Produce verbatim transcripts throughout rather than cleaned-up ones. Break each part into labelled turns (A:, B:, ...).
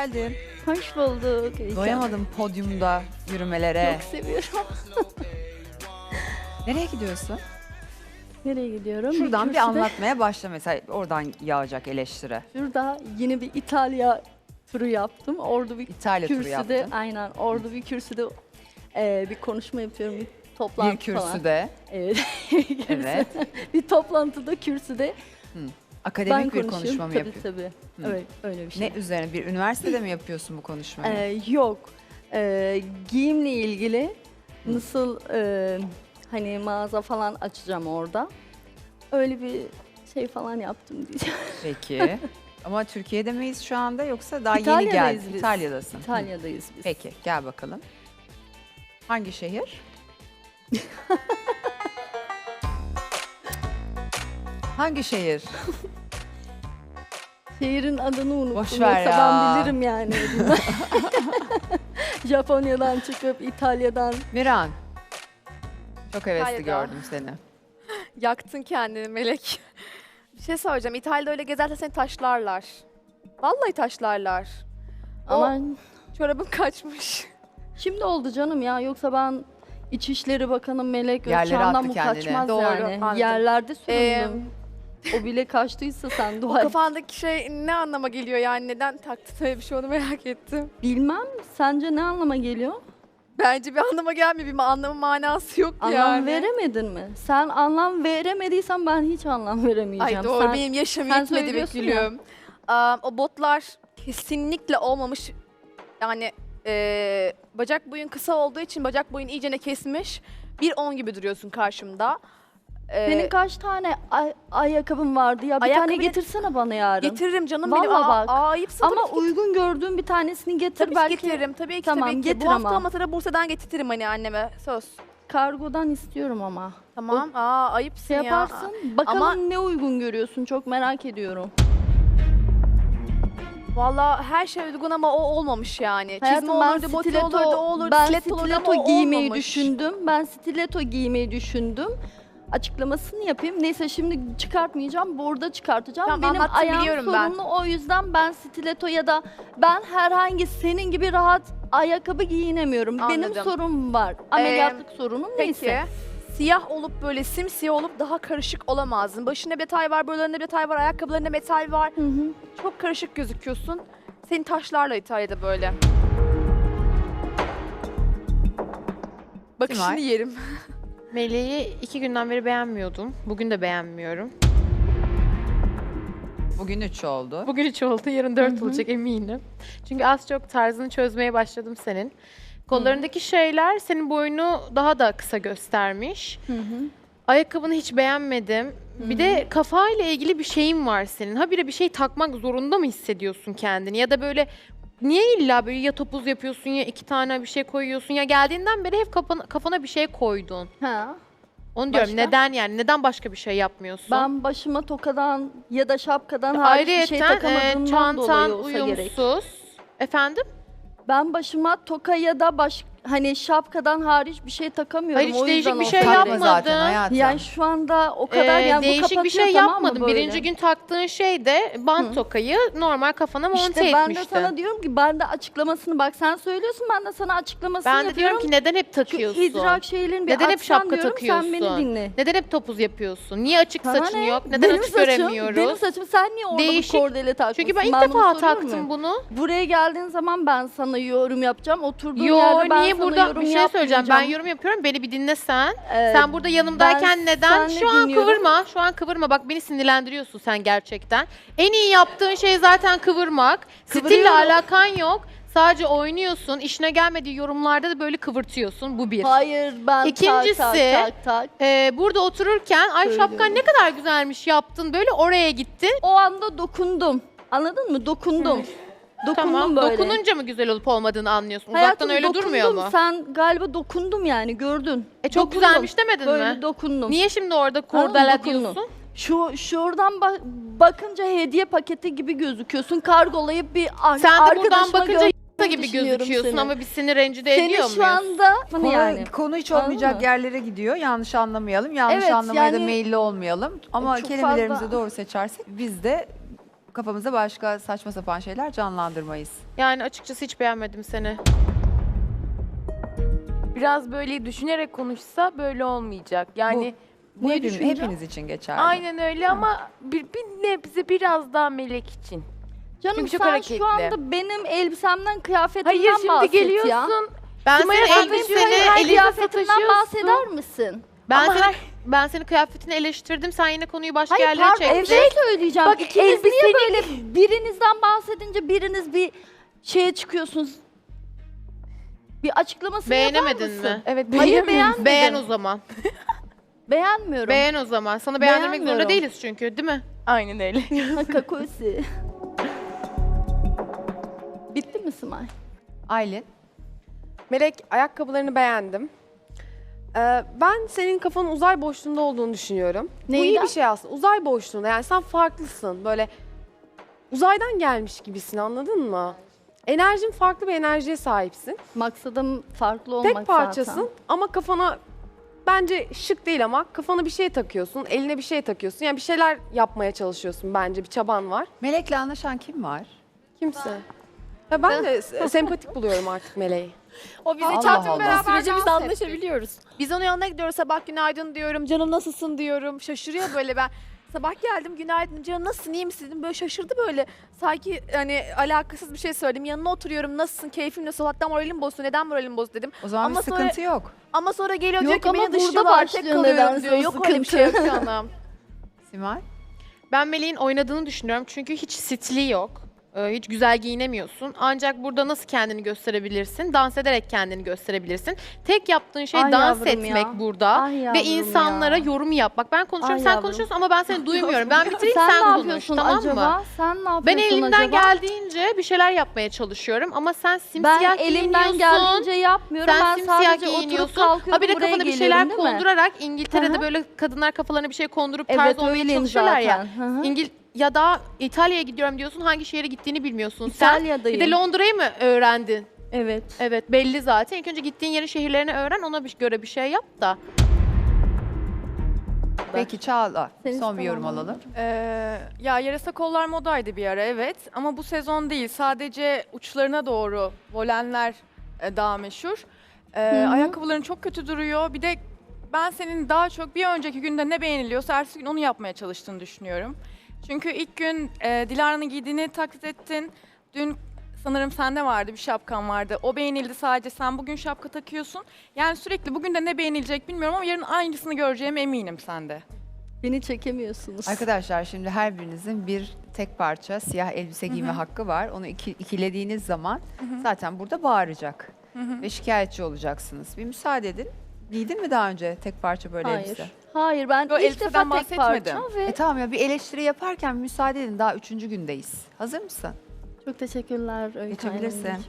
A: geldin.
B: Hoş bulduk. İyi
A: Doyamadım podyumda yürümelere.
B: Çok seviyorum.
A: Nereye gidiyorsun?
B: Nereye gidiyorum?
A: Şuradan bir,
B: kürsüde-
A: anlatmaya başla mesela, oradan yağacak eleştiri.
B: Şurada yine bir İtalya turu yaptım. Orada bir
A: İtalya turu
B: kürsüde,
A: yaptın.
B: aynen orada bir kürsüde e, bir konuşma yapıyorum. Bir toplantı
A: Bir
B: falan.
A: kürsüde.
B: Evet. Kürsü-
A: Evet.
B: bir toplantıda kürsüde
A: Akademik
B: ben
A: bir
B: konuşuyorum.
A: konuşma mı
B: tabii,
A: yapıyorsun?
B: Tabii Öyle, öyle bir şey.
A: Ne üzerine? Bir üniversitede mi yapıyorsun bu konuşmayı?
B: Ee, yok. Ee, giyimle ilgili nasıl e, hani mağaza falan açacağım orada. Öyle bir şey falan yaptım diyeceğim.
A: Peki. Ama Türkiye'de miyiz şu anda yoksa daha yeni
B: İtalya'dayız
A: geldin?
B: biz.
A: İtalya'dasın. Hı.
B: İtalya'dayız biz.
A: Peki gel bakalım. Hangi şehir? Hangi şehir?
B: Şehrin adını unuttum.
A: Boş ver
B: Yoksa
A: ya.
B: ben bilirim yani. Japonya'dan çıkıp İtalya'dan.
A: Miran. Çok hevesli
C: İtalya'da.
A: gördüm seni.
C: Yaktın kendini Melek. Bir şey söyleyeceğim. İtalya'da öyle gezersen seni taşlarlar. Vallahi taşlarlar.
B: Ama
C: Çorabın kaçmış.
B: şimdi oldu canım ya. Yoksa ben İçişleri Bakanı Melek
A: Yerlere
B: Özçağ'dan
A: attı
B: bu
A: kendini.
B: kaçmaz
C: Doğru,
B: yani.
C: anladım.
B: Yerlerde
C: Ee,
B: süründüm. O bile kaçtıysa sen
C: O
B: dua et.
C: kafandaki şey ne anlama geliyor yani? Neden taktın öyle bir şey, onu merak ettim.
B: Bilmem. Sence ne anlama geliyor?
C: Bence bir anlama gelmiyor. Bir anlamı manası yok
B: Anlam
C: yani.
B: veremedin mi? Sen anlam veremediysen ben hiç anlam veremeyeceğim.
C: Ay doğru,
B: Sen,
C: benim yaşım
B: sen
C: yetmedi be
B: söylüyorsun ya.
C: gülüm. Aa, o botlar kesinlikle olmamış. Yani eee, bacak boyun kısa olduğu için bacak boyun iyicene kesmiş. bir on gibi duruyorsun karşımda. Ee,
B: Senin kaç tane ay- ayakkabın vardı ya? Bir
C: Ayakkabı
B: tane
C: ne-
B: getirsene bana yarın.
C: Getiririm canım benim.
B: Vallahi
C: Aa,
B: bak.
C: aa, ayıpsın
B: Ama
C: tabii ki.
B: uygun gördüğün bir tanesini getir.
C: Tabii ki
B: belki
C: getiririm. Tabii ki
B: Tamam,
C: tabii ki.
B: getir
C: Bu hafta
B: ama.
C: olmasa da Bursa'dan getirtirim hani anneme. Söz.
B: kargodan istiyorum ama.
C: Tamam. Aa ayıpsın
B: Şey
C: ya.
B: yaparsın. Bakalım
C: Ama-
B: ne uygun görüyorsun. Çok merak ediyorum.
C: Valla her şey uygun ama o olmamış yani.
B: Hayatım,
C: Çizme
B: ben
C: olurdu, boti
B: stiletto,
C: olurdu, o olurdu,
B: ben
C: stiletto olurdu
B: stiletto
C: ama o
B: giymeyi
C: olmamış.
B: düşündüm. Ben stiletto giymeyi düşündüm. Açıklamasını yapayım. Neyse şimdi çıkartmayacağım. Burada çıkartacağım.
C: Tamam,
B: Benim
C: anlattın,
B: ayağım
C: biliyorum ben.
B: sorunlu. O yüzden ben stiletto ya da ben herhangi senin gibi rahat ayakkabı giyinemiyorum. Benim
C: Anladım.
B: sorunum var. Ameliyatlık sorunum
C: Peki.
B: neyse.
C: Siyah olup böyle simsiyah olup daha karışık olamazdın. Başında detay var, buralarında detay var, ayakkabılarında metal var.
B: Hı hı.
C: Çok karışık gözüküyorsun. Seni taşlarla İtalya'da böyle. Bakışını
A: Simay.
C: yerim.
D: Meleği iki günden beri beğenmiyordum. Bugün de beğenmiyorum.
A: Bugün üç oldu.
D: Bugün üç oldu, yarın dört olacak eminim. Çünkü az çok tarzını çözmeye başladım senin. Kollarındaki şeyler senin boyunu daha da kısa göstermiş.
B: Hı hı.
D: Ayakkabını hiç beğenmedim. Bir de kafayla ilgili bir şeyin var senin. Habire bir şey takmak zorunda mı hissediyorsun kendini? Ya da böyle niye illa böyle ya topuz yapıyorsun ya iki tane bir şey koyuyorsun ya geldiğinden beri hep kafana, kafana bir şey koydun.
B: Ha.
D: Onu diyorum,
B: Başka?
D: neden yani? Neden başka bir şey yapmıyorsun?
B: Ben başıma tokadan ya da şapkadan hariç bir şey
D: Ayrıyeten e,
B: takamadığımdan
D: çantan
B: dolayı olsa gerek.
D: uyumsuz. Efendim?
B: Ben başıma toka ya da baş hani şapkadan hariç bir şey takamıyorum.
D: Hayır, hiç
B: o
D: değişik
B: yüzden
D: bir
B: olsa
D: şey
B: gerek.
A: Takma
D: yapmadın.
A: zaten hayatım.
B: Yani şu anda o kadar
D: Ee,
B: yani bu
D: değişik bir
B: kapatıyor,
D: şey
B: tamam mı
D: yapmadın.
B: böyle?
D: Birinci gün taktığın şey de bant
B: Hı.
D: tokayı normal kafana monte
B: İşte ben de
D: etmiştin.
B: sana diyorum ki ben de açıklamasını bak sen söylüyorsun ben de sana açıklamasını
D: Ben de
B: yapıyorum.
D: diyorum ki neden hep
B: Şu
D: takıyorsun?
B: idrak şeylerini bir
D: Neden hep
B: açsan
D: şapka
B: diyorum,
D: takıyorsun?
B: sen beni dinle.
D: Neden hep topuz yapıyorsun? Niye açık
B: Sana
D: saçın
B: ne?
D: yok? Neden
B: Benim
D: açık
B: saçım,
D: göremiyoruz?
B: Benim saçım sen niye orada
D: Değişik.
B: bu kordele takmışsın?
D: Çünkü ben ilk
B: bunu
D: defa
B: soruyorum
D: taktım
B: ya.
D: bunu.
B: Buraya geldiğin zaman ben sana yorum yapacağım. Oturduğun
D: Yo,
B: yerde ben
D: niye
B: sana
D: burada
B: yorum
D: bir şey söyleyeceğim. Ben
B: yapmayacağım.
D: yorum yapıyorum. Beni bir dinle sen.
B: Ee,
D: Sen burada yanımdayken
B: ben
D: neden?
B: senle
D: Şu an
B: dinliyorum.
D: kıvırma. Şu an kıvırma. Bak beni sinirlendiriyorsun sen gerçekten. En iyi yaptığın şey zaten kıvırmak. Stille
B: Kıvırıyorum.
D: alakan yok. Sadece oynuyorsun. İşine gelmediği yorumlarda da böyle kıvırtıyorsun. Bu bir.
B: Hayır ben
D: İkincisi,
B: tak tak tak tak.
D: Ee, burada otururken ay
B: Söylüyorum.
D: şapkan ne kadar güzelmiş yaptın. Böyle oraya gittin.
B: O anda dokundum. Anladın mı? Dokundum. Dokundum
D: Tamam.
B: böyle.
D: Dokununca mı güzel olup olmadığını anlıyorsun?
B: Hayatım,
D: Uzaktan öyle
B: dokundum.
D: durmuyor mu?
B: Sen galiba dokundum yani gördün.
D: E çok
B: Dokundum.
D: güzelmiş demedin
B: Böyle
D: mi?
B: dokundum.
D: Niye şimdi orada
B: Tamam,
D: kurdele
B: dokundum.
D: diyorsun?
B: Şu şuradan bak bakınca hediye paketi gibi gözüküyorsun. Kargolayıp bir ar-
D: Sen de
B: arkadaşıma
D: buradan bakınca
B: göndermeyi
D: y**a gibi
B: düşünüyorum
D: gözüküyorsun
B: seni.
D: ama biz seni rencide
B: Seni
D: ediyor
B: şu
D: muyuz?
B: anda
A: Konu,
B: yani.
A: konu hiç
B: Anladın
A: olmayacak
B: mı?
A: yerlere gidiyor. Yanlış anlamayalım. Yanlış
B: Evet,
A: anlamaya da
B: yani-
A: meyilli olmayalım. Ama
B: Çok
A: kelimelerimizi
B: fazla-
A: doğru seçersek biz de kafamızda başka saçma sapan şeyler canlandırmayız.
D: Yani açıkçası hiç beğenmedim seni.
E: Biraz böyle düşünerek konuşsa böyle olmayacak. Yani
A: Bu
E: ne
A: hepim-
E: düşüneceğim?
A: hepiniz için geçerli.
E: Aynen öyle ama bir, bir nebze biraz daha melek için.
B: Canım
E: Çünkü çok
B: sen
E: hareketli.
B: şu anda benim elbisemden, kıyafetimden
E: Hayır şimdi
B: bahset
E: geliyorsun.
B: ya.
D: Ben
E: Sımaya
D: senin
E: bakın,
D: elbiseni,
E: şöyle her
D: elini
B: Kıyafetimden
E: sataşıyorsun.
B: bahseder misin?
D: ben
E: Ama
D: senin,
E: her-
D: ben senin kıyafetini eleştirdim. Sen yine konuyu başka
B: Hayır
D: yerlere
B: pardon
D: çektin.
B: bir şey söyleyeceğim.
E: Bak,
B: İkiniz niye
E: elbiseni-
B: böyle birinizden bahsedince biriniz bir şeye çıkıyorsunuz? Bir açıklamasını yapar
D: Beğenemedin
B: mısın?
D: mi?
E: Evet
B: Hayır
E: beğenmiyorum.
B: beğenmedim.
D: Beğen o zaman.
B: Beğenmiyorum.
D: Beğen o zaman. Sana beğendirmek zorunda
B: Beğenmiyorum.
D: değiliz çünkü, değil mi?
E: Aynen öyle.
B: Kakosi. Bitti mi Simay?
A: Aylin,
F: Melek, ayakkabılarını beğendim. Ee, ben senin kafanın uzay boşluğunda olduğunu düşünüyorum. Bu iyi
B: Neyden?
F: bir şey aslında. Uzay boşluğunda. Yani sen farklısın. Böyle uzaydan gelmiş gibisin, anladın mı? Enerjin farklı bir enerjiye sahipsin.
B: Maksadım farklı olmak
F: Tek parçasın
B: zaten.
F: ama kafana bence şık değil ama kafana bir şey takıyorsun, eline bir şey takıyorsun. Yani bir şeyler yapmaya çalışıyorsun bence. Bir çaban var.
A: Melek'le anlaşan kim var?
F: Kimse. Ya ben de s- sempatik buluyorum artık Meleği.
C: O bizi
A: Allah
C: çarptı
A: Allah.
C: beraber
E: Sürece biz
C: dans ettik.
E: anlaşabiliyoruz.
C: Biz onun yanına gidiyoruz, sabah günaydın diyorum, canım nasılsın diyorum. Şaşırıyor böyle ben. Sabah geldim, günaydın canım nasılsın, iyi misin dedim. Böyle şaşırdı böyle. Sanki hani alakasız bir şey söyledim. Yanına oturuyorum, nasılsın, keyfin nasıl, hatta moralim bozdu, neden moralim bozdu dedim.
A: O zaman
C: Ama
A: bir
C: sonra-
A: sıkıntı yok.
C: Ama sonra geliyor
B: Yok
C: diyor ki
B: ama
C: beni
B: burada
C: dışlıyorlar, tek
B: başlıyor
C: kalıyorum
B: nedense
C: diyor.
B: o
C: Yok öyle bir şey yok
B: sıkıntı.
C: canım.
A: Simay,
D: Ben Melih'in oynadığını düşünüyorum çünkü hiç stili yok. Ee, Hiç güzel giyinemiyorsun. Ancak burada nasıl kendini gösterebilirsin? Dans ederek kendini gösterebilirsin. Tek yaptığın şey
B: Ay
D: dans
B: yavrum
D: etmek
B: ya.
D: burada.
B: Ay
D: Ve
B: yavrum
D: insanlara
B: ya.
D: yorum yap. Bak ben konuşuyorum,
B: Ay
D: sen
B: yavrum.
D: konuşuyorsun ama ben seni duymuyorum. Ben bitireyim,
B: Sen,
D: sen,
B: ne
D: konuş,
B: yapıyorsun
D: tamam
B: acaba?
D: mı?
B: Sen ne yapıyorsun
D: Ben elimden
B: acaba?
D: geldiğince bir şeyler yapmaya çalışıyorum ama sen simsiyah
B: Ben elimden
D: giyiniyorsun.
B: geldiğince yapmıyorum.
D: Sen
B: ben
D: simsiyah
B: sadece oturup
D: giyiniyorsun.
B: kalkıyorum
D: Habire
B: buraya
D: kafana bir şeyler
B: geliyorum, değil mi?
D: kondurarak İngiltere'de
B: Hı hı.
D: böyle kadınlar kafalarına bir şey kondurup
B: Evet
D: tarz olmaya
B: öyleyim
D: çalışıyorlar ya.
B: zaten. Hı hı.
D: İngil ya da İtalya'ya gidiyorum diyorsun, hangi şehre gittiğini bilmiyorsun. Sen
B: İtalya'dayım.
D: bir de Londra'yı mı öğrendin?
B: Evet.
D: Evet, belli zaten. İlk önce gittiğin yerin şehirlerini öğren, ona bir göre bir şey yap da.
A: peki Çağla,
B: Seni
A: son bir yorum
B: istemem.
A: alalım.
G: Ee, ya yarasa kollar modaydı bir ara evet ama bu sezon değil sadece uçlarına doğru volenler e, daha meşhur. Ee,
B: Hı hı.
G: ayakkabıların çok kötü duruyor. Bir de ben senin daha çok bir önceki günde ne beğeniliyorsa ertesi gün onu yapmaya çalıştığını düşünüyorum. Çünkü ilk gün e, Dilara'nın giydiğini taklit ettin. Dün sanırım sende vardı bir şapkan vardı. O beğenildi sadece sen bugün şapka takıyorsun. Yani sürekli bugün de ne beğenilecek bilmiyorum ama yarın aynısını göreceğime eminim sende.
B: Beni çekemiyorsunuz.
A: Arkadaşlar şimdi her birinizin bir tek parça siyah elbise giyme hakkı var. Onu iki, ikilediğiniz zaman zaten burada bağıracak ve şikayetçi olacaksınız. Bir müsaade edin. Giydin mi daha önce tek parça böyle
B: Hayır.
A: elbise?
B: Hayır ben
G: Yo,
B: ilk
G: elbiseden
B: defa tek
G: bahsetmedim.
B: parça ve
A: E tamam ya bir eleştiri yaparken müsaade edin, daha üçüncü gündeyiz. Hazır mısın?
B: çok teşekkürler Öykü
A: Geçebilirsin.
B: Hanımcığım.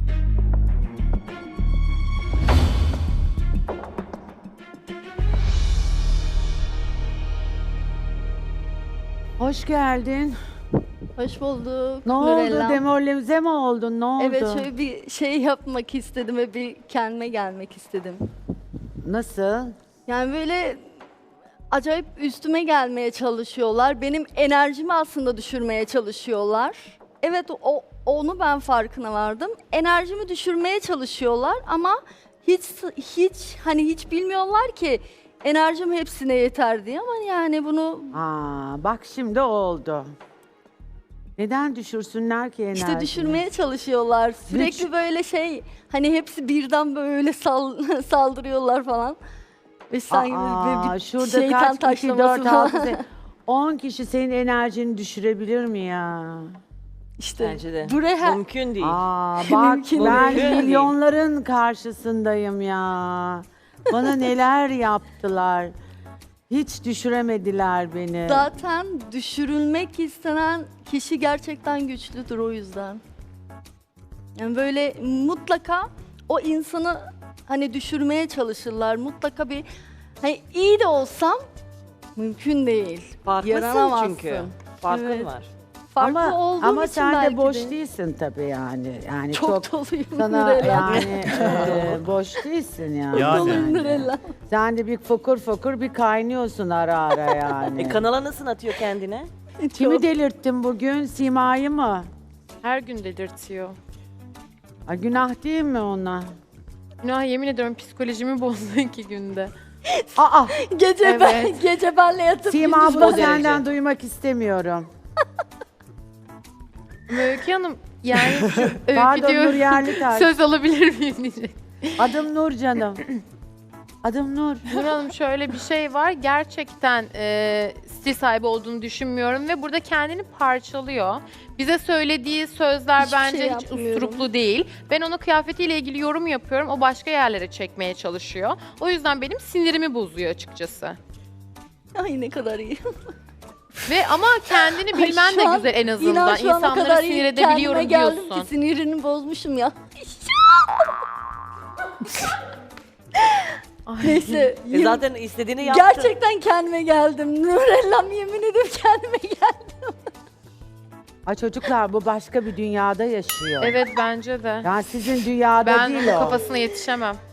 H: Hoş geldin.
B: Hoş bulduk.
H: Ne
B: Nurella.
H: oldu? Demoralize mi oldun? Ne oldu?
B: Evet şöyle bir şey yapmak istedim ve bir kendime gelmek istedim.
H: Nasıl?
B: Yani böyle acayip üstüme gelmeye çalışıyorlar. Benim enerjimi aslında düşürmeye çalışıyorlar. Evet o onu ben farkına vardım. Enerjimi düşürmeye çalışıyorlar ama hiç hiç hani hiç bilmiyorlar ki enerjim hepsine yeter diye ama yani bunu
H: Aa, bak şimdi oldu. Neden düşürsünler ki enerjini?
B: işte düşürmeye çalışıyorlar. Sürekli böyle şey hani hepsi birden böyle sal- saldırıyorlar falan. Ve sanki böyle
H: Aa,
B: bir
H: şurada
B: şeytan
H: kaç kişi?
B: taşlaması
H: Dört,
B: falan.
H: altı, sekiz, on kişi senin enerjini düşürebilir mi ya?
B: İşte
I: Bence de.
B: buraya
I: Mümkün değil.
H: Aa, bak
B: Mümkün
H: ben
I: değil.
H: milyonların karşısındayım ya. Bana neler yaptılar. Hiç düşüremediler beni.
B: zaten düşürülmek istenen kişi gerçekten güçlüdür o yüzden. Yani böyle mutlaka o insanı hani düşürmeye çalışırlar. Mutlaka bir hani iyi de olsam mümkün değil.
I: Farklısın
B: Yaranamazsın.
I: çünkü. Farkın
B: Evet.
I: var.
B: Farklı
H: ama
B: olduğum
H: ama
B: için
H: sen
B: belki
H: de boş
B: de.
H: değilsin tabii yani. Yani
B: Çok,
H: çok,
B: doluyum
H: sana
B: Nurella.
H: yani e, boş değilsin yani.
J: Yani.
B: Doluyum Nurella.
H: Sen de bir fokur fokur bir kaynıyorsun ara ara yani.
I: E kanala nasıl atıyor kendine?
H: Kimi delirttin bugün? Sima'yı mı?
D: Her gün delirtiyor.
H: Ay, günah değil mi ona?
D: Günah, yemin ediyorum psikolojimi bozdu iki günde.
H: Aa,
B: Gece ben
D: Evet.
B: gece benle yatıp
H: Sima
B: gündüz
H: bunu
B: ben-
H: senden duymak istemiyorum.
D: Ama Öykü Hanım yani şu Öykü
H: Pardon
D: diyor.
H: Nur Yerlitaş.
D: Söz alabilir miyim diyecek.
H: Adım Nur canım. Adım Nur.
D: Nur Hanım, şöyle bir şey var. Gerçekten e, stil sahibi olduğunu düşünmüyorum ve burada kendini parçalıyor. Bize söylediği sözler
B: Hiçbir
D: bence
B: şey
D: hiç
B: yapmıyorum.
D: usturuplu değil. Ben onun kıyafetiyle ilgili yorum yapıyorum. O başka yerlere çekmeye çalışıyor. O yüzden benim sinirimi bozuyor açıkçası.
B: Ay ne kadar iyi.
D: Ve ama kendini
B: Ay,
D: bilmen
B: şu
D: de
B: an-
D: güzel en
B: İnan
D: azından.
B: şu ana
D: İnsanları
B: kadar
D: sinir
B: iyi
D: edebiliyorum
B: kendime geldim
D: diyorsun.
B: ki sinirini bozmuşum ya. Neyse.
I: E zaten istediğini yaptın.
B: Gerçekten kendime geldim. Nurellam, yemin ederim kendime geldim.
H: Ay çocuklar, bu başka bir dünyada yaşıyor.
D: Evet, bence de.
H: Yani sizin dünyada
D: Ben
H: değil
D: onun
H: o.
D: kafasına yetişemem.